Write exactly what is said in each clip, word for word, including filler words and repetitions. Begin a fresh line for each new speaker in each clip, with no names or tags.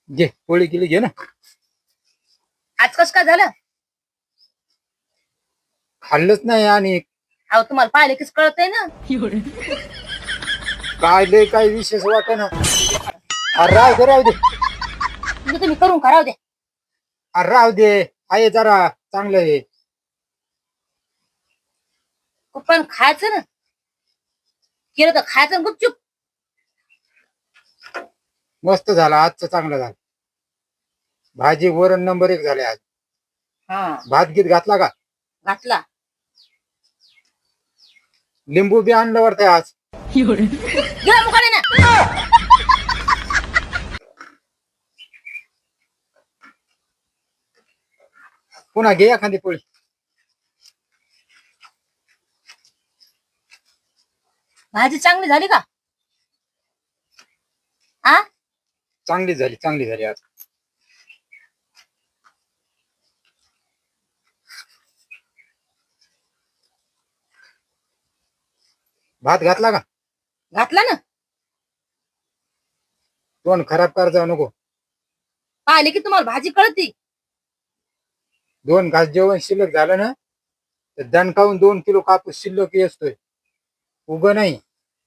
घे पोळी केली घे ना.
आज कस काय झालं?
खाल्लंच नाही आणि
अहो तुम्हाला पाहिले कीच कळतंय ना.
काय लय काय विशेष वाट ना. अरे राहू दे राहू दे
म्हणजे तुम्ही करून कराव द्या.
अरे राहू दे आहे जरा चांगलं आहे.
पण खायचं ना, केलं तर खायचं ना गुपचूप.
मस्त झाला आजचं चांगलं झालं. भाजी वरण नंबर एक झाले आज.
हा
भात गीत घातला का?
घातला.
लिंबू बी आणलं वाटतंय आज.
गेला मुकाने ना.
पुन्हा घे एखादी पोळी.
भाजी चांगली झाली का? आ
चांगली झाली चांगली झाली आज. भात घातला का?
घातला ना.
तोंड खराब कर जाऊ नको.
पाहिले की तुम्हाला भाजी कळती.
दोन घास जेवण शिल्लक झालं ना तर दणकावून दोन किलो कापूस शिल्लक असतोय. उग नाही.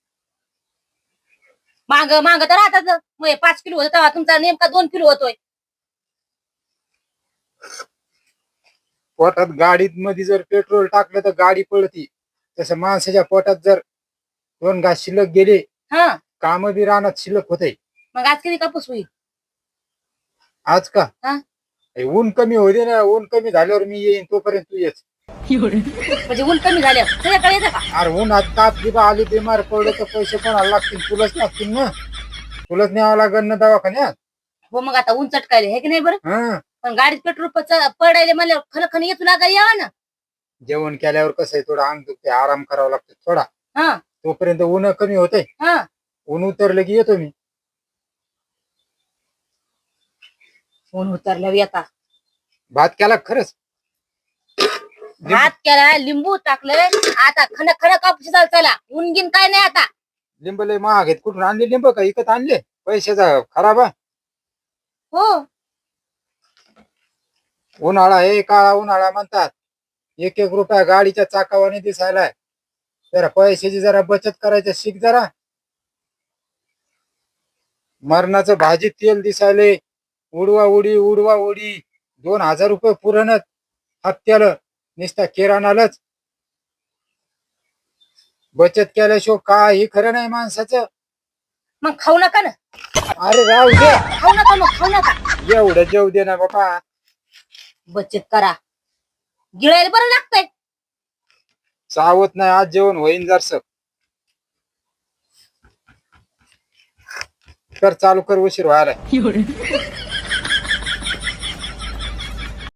माग माग तर राहतात मग पाच किलो होत तेव्हा तुमचा नेमका दोन किलो होतोय.
पोटात गाडीत मध्ये जर पेट्रोल टाकलं तर गाडी पळती. तसं माणसाच्या पोटात जर दोन घास शिल्लक गेले
हा
काम बी रानात शिल्लक होते.
मग आज किती कापूस होईल?
आज का?
हा
हे ऊन कमी होते ना. ऊन कमी झाल्यावर मी येईन तोपर्यंत तू येच.
म्हणजे ऊन कमी झाल्या सगळ्याकडे येतं का?
अरे ऊन आज ताप दिबा आली बिमार पडलं तर पैसे कोणाला लागतील? तुलाच लागतील ना. तुलाच न्यावं लागेल ना दवाखान्यात.
हो मग आता ऊन चटकायले हे की नाही बरं.
हा
पण गाडीत पेट्रोल पडायले म्हणल्यावर खन खन येतो लागा यावा ना.
जेवण केल्यावर कसं आहे थोडा अंग दुखते आराम करावा लागतो थोडा.
हा
तोपर्यंत ऊन कमी होते.
हा
ऊन उतरलं की येतो मी.
ऊन उतरल्यावर येता.
भात केला का खरंच?
भात केला लिंबू टाकलंय आता खन खन कापूस चाल चला ऊन गिन काय नाही आता.
लिंब लय महाग आहेत. कुठून आणले लिंब का इकत आणले? पैशाचा खराब आहे.
हो
उन्हाळा हे काळा उन्हाळा म्हणतात. एक एक रुपया गाडीच्या चाकावाने दिसायलाय. जरा पैशाची जरा बचत करायचं शिक जरा. मरणाचं भाजी तेल दिसायले. उडवा उडी उडवा उडी दोन हजार रुपये पुरणच हप्त्याला नुसता किराणालाच. बचत केल्याशिवाय काही खरं नाही माणसाचं.
मग खाऊ नका ना.
अरे राहू दे.
खाऊ नका मग खाऊ नका.
एवढं जेव दे ना बाबा.
बचत करा गिळायला बरं लागतंय.
चावत नाही आज जेवण होईन जरस. कर चालू कर उशीर व्हायला.